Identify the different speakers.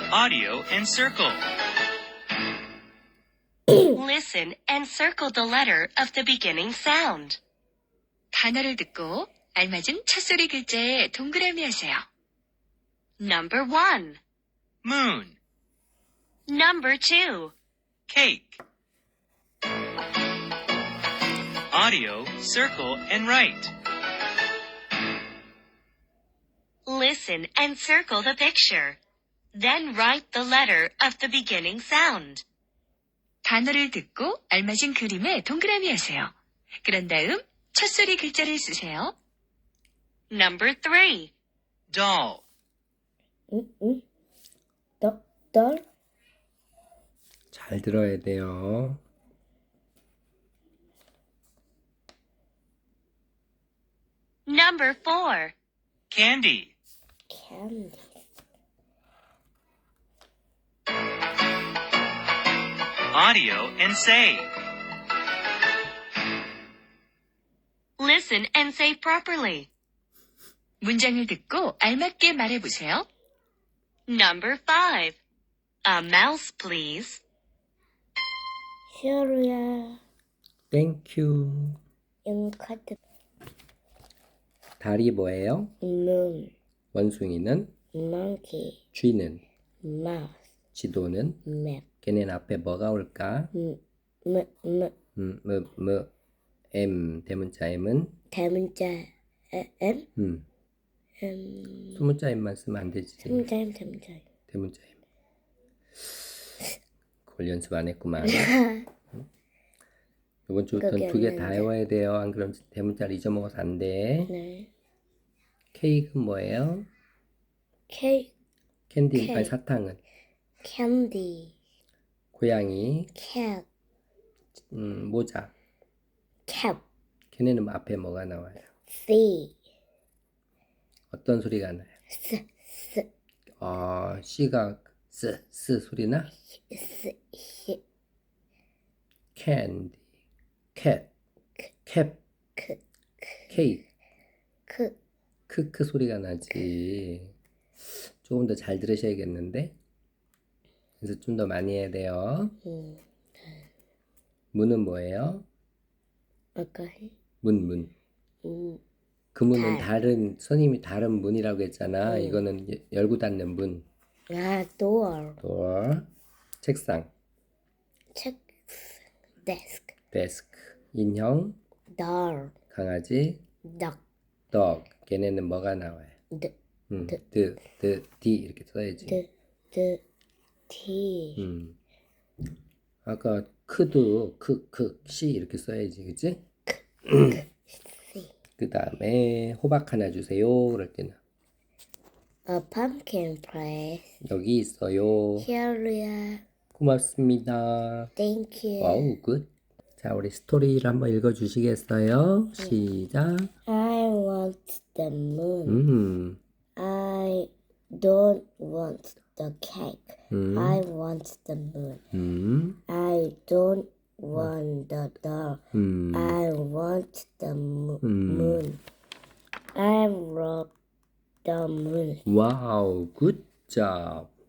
Speaker 1: audio and circle.
Speaker 2: Listen and circle the letter of the beginning sound.
Speaker 3: 단어를 듣고 알맞은 첫소리 글자에 동그라미 하세요.
Speaker 2: Number 1.
Speaker 1: Moon,
Speaker 2: Number 2.
Speaker 1: cake. Audio, circle, and write.
Speaker 2: Listen and circle the picture. Then write the letter of the beginning sound.
Speaker 3: 단어를 듣고 알맞은 그림에 동그라미 하세요. 그런 다음 첫소리 글자를 쓰세요.
Speaker 2: Number 3.
Speaker 1: Doll,
Speaker 4: dollar,
Speaker 5: 잘 들어야 돼요.
Speaker 2: Number 4.
Speaker 1: candy.
Speaker 4: candy,
Speaker 1: Audio and say.
Speaker 2: Listen and say properly.
Speaker 3: 문장을 듣고 알맞게 말해보세요.
Speaker 2: Number 5. A mouse, please.
Speaker 4: Syria,
Speaker 5: 땡큐.
Speaker 4: incredible,
Speaker 5: 달이 뭐예요?
Speaker 4: moon,
Speaker 5: 원숭이는,
Speaker 4: monkey,
Speaker 5: 쥐는,
Speaker 4: mouse,
Speaker 5: 지도는,
Speaker 4: map,
Speaker 5: 걔네는 앞에 뭐가 올까? M, 대문자 M은,
Speaker 4: 대문자 M,
Speaker 5: 소문자 M만 쓰면 안 되지.
Speaker 4: 대문자
Speaker 5: 대문자 M. 그걸 연습 안 했구만. 이번 주부터는 두 개 다 외워야 돼요. 안 그러면 대문자를 잊어먹어서 안 돼.
Speaker 4: 네.
Speaker 5: 케이크는 뭐예요?
Speaker 4: K,
Speaker 5: 캔디,
Speaker 4: 케이크.
Speaker 5: 아니 사탕은.
Speaker 4: candy,
Speaker 5: 고양이,
Speaker 4: cat,
Speaker 5: 모자.
Speaker 4: cap,
Speaker 5: 걔네는 앞에 뭐가 나와요?
Speaker 4: C,
Speaker 5: 어떤 소리가 나요?
Speaker 4: S,
Speaker 5: C가 스 소리나?
Speaker 4: S,
Speaker 5: 캔디, 캣, 캡, 케이크, 크크 소리가 나지. 조금 더 잘 들으셔야겠는데? 그래서 좀 더 많이 해야 돼요. 문은 뭐예요?
Speaker 4: 아까 해?
Speaker 5: 문. 그 문은 다른, 선생님이 다른 문이라고 했잖아. 이거는 열고 닫는 문.
Speaker 4: door,
Speaker 5: door. 책상,
Speaker 4: check, desk,
Speaker 5: desk. 인형,
Speaker 4: door,
Speaker 5: 강아지,
Speaker 4: duck,
Speaker 5: dog. 걔네는 뭐가 나와요? D 이렇게 써야지.
Speaker 4: T,
Speaker 5: 아까 크도 C 이렇게 써야지, 그치? 그 다음에 호박 하나 주세요. 그럴 때는
Speaker 4: a pumpkin place,
Speaker 5: 여기 있어요.
Speaker 4: here,
Speaker 5: 고맙습니다.
Speaker 4: thank you.
Speaker 5: 와우, 굿. 자, 우리 스토리를 한번 읽어주시겠어요? 시작.
Speaker 4: I want the moon. I don't want the cake. I want the moon. I don't want the doll. I want the moon. I love the moon.
Speaker 5: 와우, 굿 잡.